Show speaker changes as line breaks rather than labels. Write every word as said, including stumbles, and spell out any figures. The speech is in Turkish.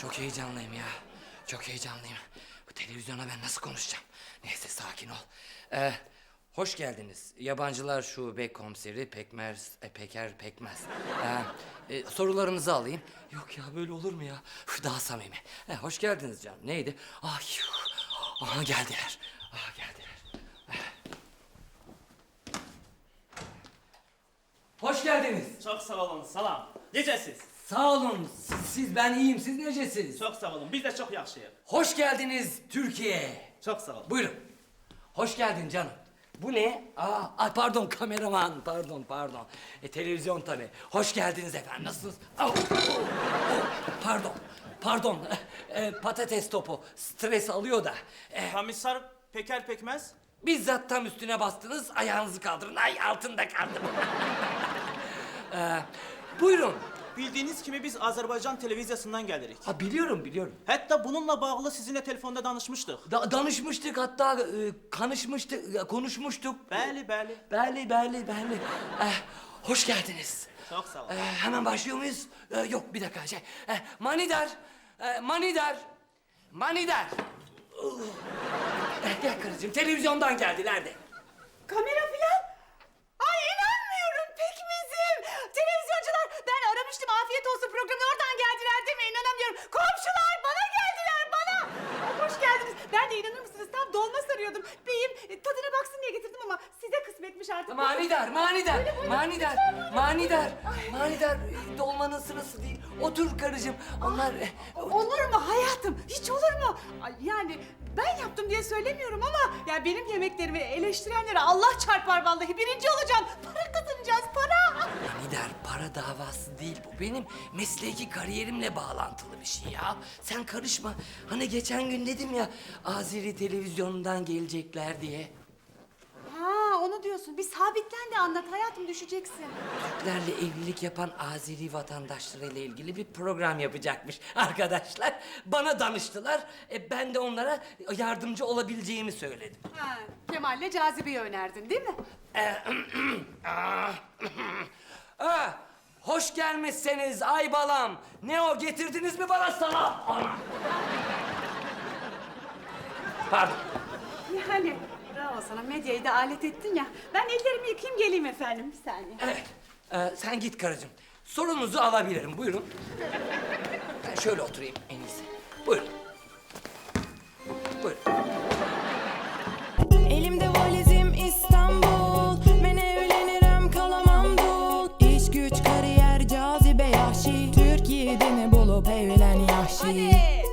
Çok heyecanlıyım ya. Çok heyecanlıyım. Bu televizyona ben nasıl konuşacağım? Neyse sakin ol. Ee, hoş geldiniz. Yabancılar Şube Komiseri Pekmez, e, Peker Pekmez. Ee, e, sorularınızı alayım. Yok ya böyle olur mu ya? Üf, daha samimi. Ee, hoş geldiniz canım. Neydi? Ay, aha geldiler. Aha geldiler. Hoş geldiniz.
Çok sağ olun, salam. Necəsiz?
Sağ olun. Siz, siz ben iyiyim. Siz necesiniz?
Çok sağ olun, biz de çok yaxşıyıq.
Hoş geldiniz Türkiye.
Çok sağ olun.
Buyurun. Hoş geldin canım. Bu ne? Aa, ay pardon kameraman. Pardon, pardon. E, televizyon tabii. Hoş geldiniz efendim. Nasılsınız? Au, au, au. Pardon. Pardon. E, patates topu. Stres alıyor da. E,
Komiser Peker Pekmez.
bizzat tam üstüne bastınız. Ayağınızı kaldırın. Ay altında kaldım. e, buyurun.
Bildiğiniz kimi biz Azərbaycan televizyasından gəlirik.
Ha biliyorum, biliyorum.
Hətta bununla bağlı sizinle telefonda danışmışdıq.
Da- danışmıştık hatta e, kanışmıştık, e, konuşmuştuk.
Bəli, bəli.
Bəli, bəli, bəli. Eh, hoş geldiniz.
Çok sağ olun.
Eh, hemen başlıyor muyuz? Eh, yok bir dakika şey. Eh, manidar, eh, manidar, manidar. Uh. Eh, gel karıcığım televizyondan geldiler de.
Kamera filan? Ay inanmıyorum pekmezim. Televizyoncular ben aramıştım afiyet olsun programı oradan geldiler değil mi? İnanamıyorum. Komşular bana geldiler bana. Ay, hoş geldiniz. Ben de inanır mısınız tam dolma sarıyordum. Beyim e, tadına baksın diye getirdim ama size kısmetmiş artık.
Manidar, manidar,
Buyurun, buyurun.
manidar,
Lütfen,
manidar, manidar. Eh, Dolmanın sırası değil. Otur karıcığım. Onlar... eh,
Olur mu hayatım? Hiç olur mu? Ay, yani ben yaptım diye söylemiyorum ama ya benim yemeklerimi eleştirenlere Allah çarpar vallahi. Birinci olacağım. Para kazanacağız para.
Manidar para davası değil bu. Benim mesleki kariyerimle bağlantılı bir şey ya. Sen karışma. Hani geçen gün dedim ya Azeri televizyonundan gelecekler diye.
Ha onu diyorsun. Bir sabitlen de anlat hayatım düşeceksin.
Türklerle evlilik yapan Azeri vatandaşlarıyla ilgili bir program yapacakmış arkadaşlar. Bana danıştılar. E, ben de onlara yardımcı olabileceğimi söyledim.
Ha, Kemal'le Cazibe'yi önerdin değil mi?
Ah, hoş gelmişsiniz ay balam. Ne o getirdiniz mi bana salam? Ana. Pardon.
Yani bravo sana medyayı da alet ettin ya. Ben ellerimi yıkayayım geleyim efendim bir saniye.
Evet. Ee, sen git karıcığım. Sorunuzu alabilirim. Buyurun. Ben şöyle oturayım en iyisi. Buyurun. Buyurun.
Elimde valizim İstanbul. Ben evlenirim kalamam dul. İş güç kariyer cazibe yahşi. Türkiye'de mi bulup evlen yahşi.
Hadi.